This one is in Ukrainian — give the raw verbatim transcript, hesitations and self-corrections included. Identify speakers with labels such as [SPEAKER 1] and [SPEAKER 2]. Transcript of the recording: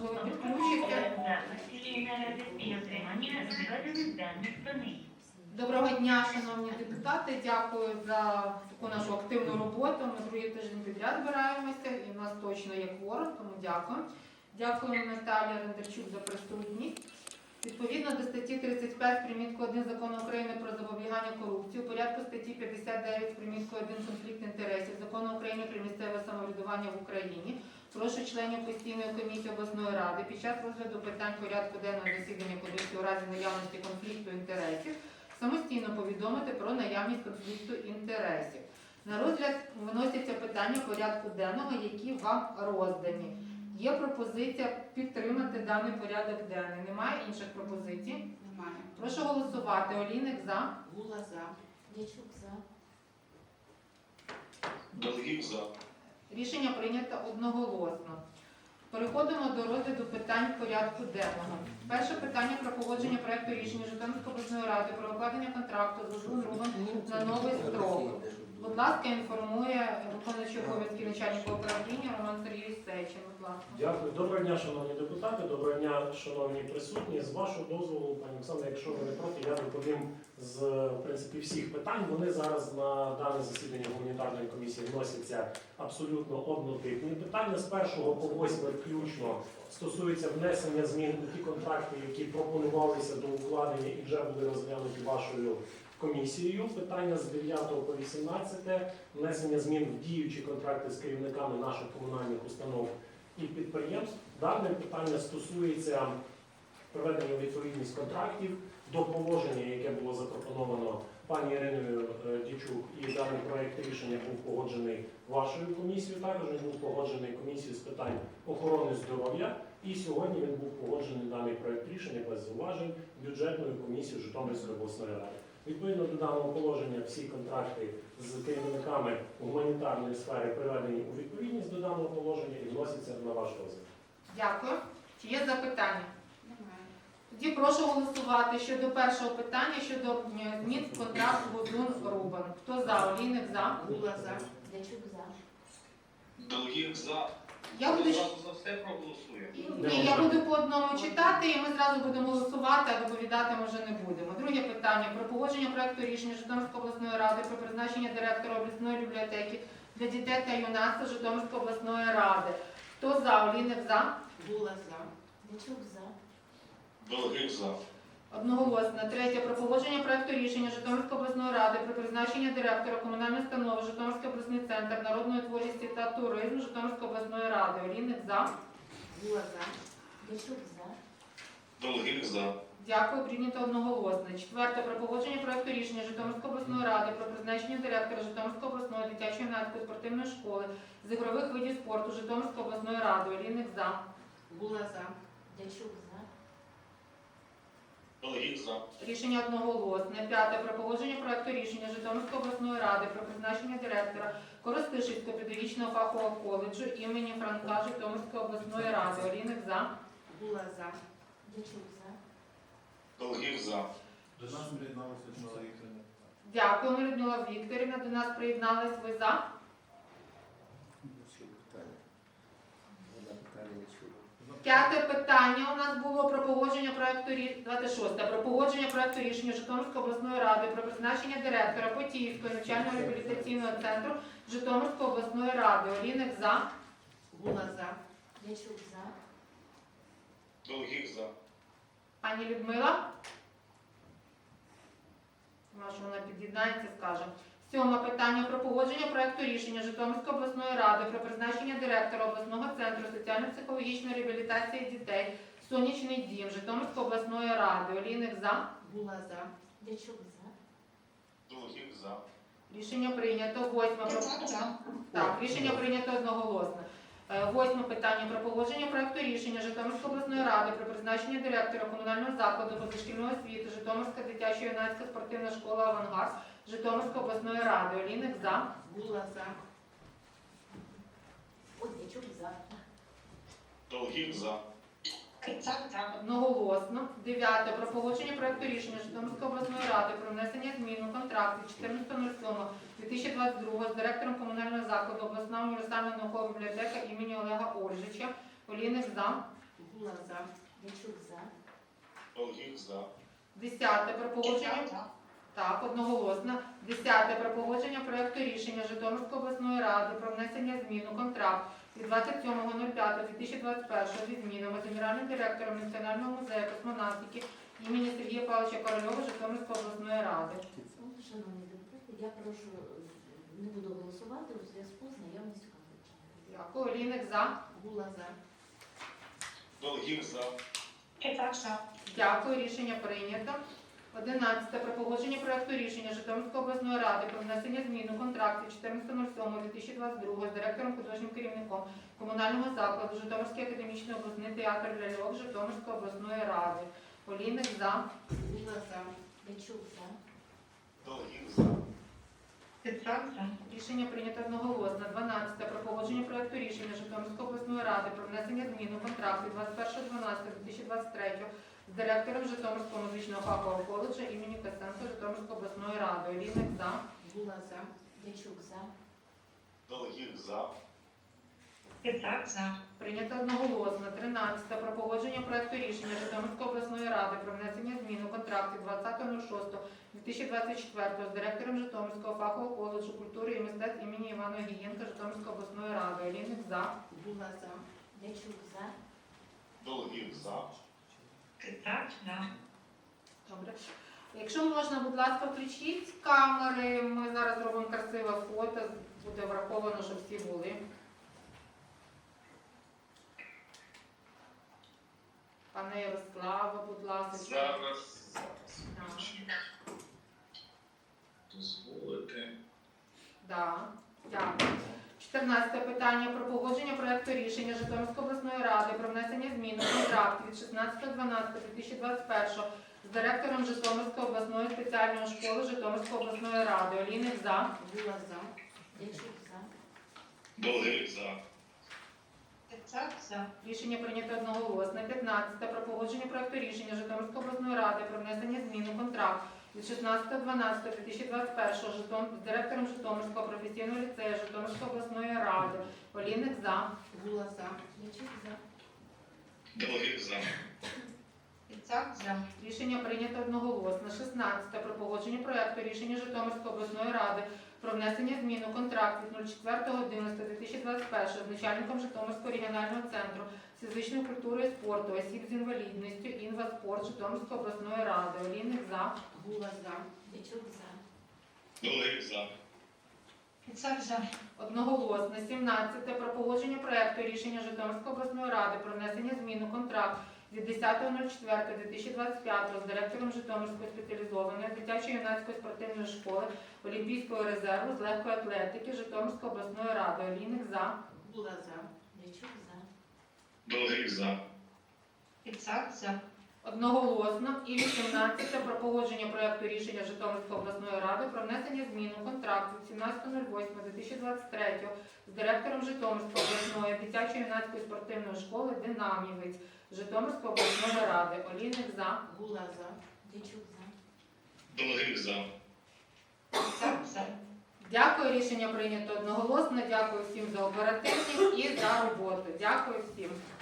[SPEAKER 1] можливо, підключиться. Доброго дня, шановні депутати. Дякую за таку нашу активну роботу. Ми другий тиждень підряд збираємося і в нас точно є кворум, тому дякую. Дякую Наталії Рендерчук за присутність. Відповідно до статті тридцять п'ять примітку один Закону України про запобігання корупції, у порядку статті п'ятдесят дев'ять примітку один конфлікт інтересів Закону України про місцеве самоврядування в Україні, прошу членів постійної комісії обласної ради під час розгляду питань порядку денного засідання комісії у разі наявності конфлікту інтересів самостійно повідомити про наявність конфлікту інтересів. На розгляд виносяться питання порядку денного, які вам роздані. Є пропозиція підтримати даний порядок денний. Немає інших пропозицій?
[SPEAKER 2] Немає.
[SPEAKER 1] Прошу голосувати. Олійник за.
[SPEAKER 2] Гула за.
[SPEAKER 3] Дячук за.
[SPEAKER 4] Долгих за.
[SPEAKER 1] Рішення прийнято одноголосно. Переходимо до розгляду питань порядку денного. Перше питання про погодження проекту рішення Житомирської обласної ради про укладення контракту з ОЗУН РУВом на новий строк. Будь ласка, інформує виконуючий обов'язки начальника управління Роман Сергійович Сечин. Будь ласка.
[SPEAKER 5] Дякую. Доброго дня, шановні депутати, доброго дня, шановні присутні. З вашого дозволу, пані Оксана, якщо ви не проти, я доповім з в принципі всіх питань. Вони зараз на дане засідання гуманітарної комісії вносяться абсолютно однотипні питання. З першого по восьме включно стосується внесення змін у ті контракти, які пропонувалися до укладення і вже були розглянуті вашою комісією. Питання з дев'ятого по вісімнадцяте внесення змін в діючі контракти з керівниками наших комунальних установ і підприємств. Дане питання стосується приведення у відповідність контрактів до положення, яке було запропоновано пані Іриною Дячук, і даний проєкт рішення був погоджений вашою комісією. Також він був погоджений комісією з питань охорони здоров'я. І сьогодні він був погоджений даний проєкт рішення без зауважень бюджетною комісією Житомирської обласної ради. Відповідно до даного положення всі контракти з керівниками гуманітарної сфери приведені у відповідність до даного положення і вносяться на ваш розгляд.
[SPEAKER 1] Дякую. Чи є запитання?
[SPEAKER 2] Немає.
[SPEAKER 1] Тоді прошу голосувати щодо першого питання, щодо е, змін в контракт ОЗУН РУВом. Хто за? Олійник за.
[SPEAKER 2] Гула за.
[SPEAKER 3] Дячук за.
[SPEAKER 4] Долгих за.
[SPEAKER 1] Я буду,
[SPEAKER 4] Зразу за все проголосує.
[SPEAKER 1] ні, я буду по одному читати, і ми зразу будемо голосувати, а доповідати ми вже не будемо. Друге питання про погодження проекту рішення Житомирської обласної ради про призначення директора обласної бібліотеки для дітей та юнацтва Житомирської обласної ради. Хто за? Олійник за.
[SPEAKER 2] Гула за.
[SPEAKER 3] Дячук за.
[SPEAKER 4] Долгих за.
[SPEAKER 1] Одноголосно. Третє. Про погодження проекту рішення Житомирської обласної ради про призначення директора комунальної установи Житомирський обласний центр народної творчості та туризму Житомирської обласної ради. Олійник за.
[SPEAKER 2] Гула за.
[SPEAKER 3] Дячук за.
[SPEAKER 4] Долгих за.
[SPEAKER 1] Дякую. Прийнято одноголосно. Четверте. Про погодження проекту рішення Житомирської обласної ради про призначення директора Житомирської обласної дитячо-юнацької спортивної школи з ігрових видів спорту Житомирської обласної ради. Олійник за.
[SPEAKER 2] Гула за.
[SPEAKER 3] Дячук за.
[SPEAKER 4] Долгих за.
[SPEAKER 1] Рішення одноголосне. П'яте. Про погодження проекту рішення Житомирської обласної ради про призначення директора Коростишівського педагогічного фахового коледжу імені Франка Житомирської обласної ради. Олійник за.
[SPEAKER 2] Гула за.
[SPEAKER 3] Дячук за.
[SPEAKER 4] Долгих за.
[SPEAKER 6] До нас приєдналася Людмила Вікторівна.
[SPEAKER 1] Дякуємо, Людмила Вікторівна. До нас приєднались. Ви за? П'яте питання у нас було про погодження проекту рішення, двадцять шосте, про погодження проекту рішення Житомирської обласної ради про призначення директора Потіївського навчально-реабілітаційного центру Житомирської обласної ради. Олійник за.
[SPEAKER 2] Гула за.
[SPEAKER 3] Дячук за.
[SPEAKER 4] Долгих за.
[SPEAKER 1] Пані Людмила? Може, вона під'єднається, скаже. Сьоме питання про погодження проекту рішення Житомирської обласної ради про призначення директора обласного центру соціально-психологічної реабілітації дітей «Сонячний дім» Житомирської обласної ради. Олійник за.
[SPEAKER 2] Гула за.
[SPEAKER 3] Дячук за.
[SPEAKER 4] Долгих за.
[SPEAKER 1] Рішення прийнято. Восьме про... Так, рішення прийнято одноголосно. Е, Восьме питання про погодження проекту рішення Житомирської обласної ради про призначення директора комунального закладу позашкільної освіти Житомирська дитячо-юнацька спортивна школа «Авангард» Житомирської обласної ради. Олійник за.
[SPEAKER 2] Гула за.
[SPEAKER 3] Ой, Дячук за.
[SPEAKER 4] Долгих за.
[SPEAKER 1] Одноголосно. Дев'яте. Про погодження проекту рішення Житомирської обласної ради про внесення змін у контракт від чотирнадцятого дві тисячі двадцять другого з директором комунального закладу обласна універсальна наукова бібліотека імені Олега Ольжича. Олійник за.
[SPEAKER 2] Гула за.
[SPEAKER 3] Дячук за.
[SPEAKER 4] Долгих за.
[SPEAKER 1] Десяте про погодження. Так, одноголосно. Десяте про погодження проекту рішення Житомирської обласної ради про внесення змін у контракт від двадцять сьомого п'ятого дві тисячі двадцять першого зі змінами з генеральним директором Національного музею космонавтики імені Сергія Павловича Корольова Житомирської обласної ради.
[SPEAKER 3] Шановні депутати, я прошу, е, не буду голосувати у зв'язку з наявністю конфлікту.
[SPEAKER 1] Дякую. Олійник за.
[SPEAKER 2] Гула за.
[SPEAKER 4] Долгих за.
[SPEAKER 1] Дякую. Рішення прийнято. Одинадцяте про погодження проекту рішення Житомирської обласної ради про внесення змін у контракт від чотирнадцятого сьомого дві тисячі двадцять другого з директором художнім керівником комунального закладу Житомирський академічний обласний театр ляльок Житомирської обласної ради. Олійник за.
[SPEAKER 2] Гула за.
[SPEAKER 3] Дячук за.
[SPEAKER 4] Долгих за.
[SPEAKER 1] Рішення прийнято одноголосно. дванадцяте про погодження проекту рішення Житомирської обласної ради про внесення змін у контракт від двадцять першого дванадцятого дві тисячі двадцять третього з директором Житомирського музичного фахового коледжу імені Костенка Житомирської обласної ради. Олійник за.
[SPEAKER 2] Гула за.
[SPEAKER 3] Дячук за.
[SPEAKER 4] Долгих за.
[SPEAKER 1] Прийнято одноголосно. тринадцяте про погодження проекту рішення Житомирської обласної ради про внесення змін у контракт від двадцятого шостого дві тисячі двадцять четвертого з директором Житомирського фахового коледжу культури і мистецтв імені Івана Гієнка Житомирської обласної ради. Олійник за.
[SPEAKER 2] Гула за.
[SPEAKER 3] Дячук за.
[SPEAKER 4] Долгих за.
[SPEAKER 1] Добре. Якщо можна, будь ласка, включіть камери. Ми зараз робимо красиве фото. Буде враховано, щоб всі були. Пане Ярославе, будь ласка.
[SPEAKER 4] Зараз.
[SPEAKER 1] Так.
[SPEAKER 4] Дозволити.
[SPEAKER 1] Да. Дякую. чотирнадцяте питання про погодження проекту рішення Житомирської обласної ради про внесення змін у контракт від шістнадцятого дванадцятого дві тисячі двадцять першого з директором Житомирської обласної спеціальної школи Житомирської обласної ради. Олійник за.
[SPEAKER 2] Гула за.
[SPEAKER 3] Дячук за.
[SPEAKER 4] Долгих за.
[SPEAKER 1] Рішення прийнято одноголосно. п'ятнадцяте про погодження проекту рішення Житомирської обласної ради про внесення змін у контракт від шістнадцятого дванадцятого дві тисячі двадцять першого Житом... з директором Житомирського професійного ліцею Житомирської обласної ради. Олійник за.
[SPEAKER 2] Гула за.
[SPEAKER 3] Дячук за.
[SPEAKER 4] Долгих за.
[SPEAKER 1] Рішення прийнято одноголосно. шістнадцяте про погодження проекту рішення Житомирської обласної ради про внесення змін у контракт від четвертого одинадцятого дві тисячі двадцять першого з начальником Житомирського регіонального центру з фізичної культури і спорту осіб з інвалідністю «Інваспорт» Житомирської обласної ради. Олійник за.
[SPEAKER 2] Гула за.
[SPEAKER 3] Дячук за.
[SPEAKER 4] Долгих за.
[SPEAKER 1] Одноголосно. сімнадцяте про погодження проекту рішення Житомирської обласної ради про внесення змін у контракт від десятого четвертого дві тисячі двадцять п'ятого з директором Житомирської спеціалізованої дитячо-юнацької спортивної школи Олімпійського резерву з легкої атлетики Житомирської обласної ради. Олійник за.
[SPEAKER 2] Гула за.
[SPEAKER 3] Дячук за.
[SPEAKER 4] Долгих за.
[SPEAKER 1] Одноголосно. І вісімнадцяте про погодження проекту рішення Житомирської обласної ради про внесення змін у контракт від сімнадцятого восьмого дві тисячі двадцять третього з директором Житомирської обласної дитячо-юнацької спортивної школи «Динамівець» Житомирської обласної ради. Олійник за.
[SPEAKER 2] Гула за.
[SPEAKER 3] Дячук за.
[SPEAKER 4] Долгих за.
[SPEAKER 1] Дякую. Рішення прийнято одноголосно. Дякую всім за оперативність і за роботу. Дякую всім.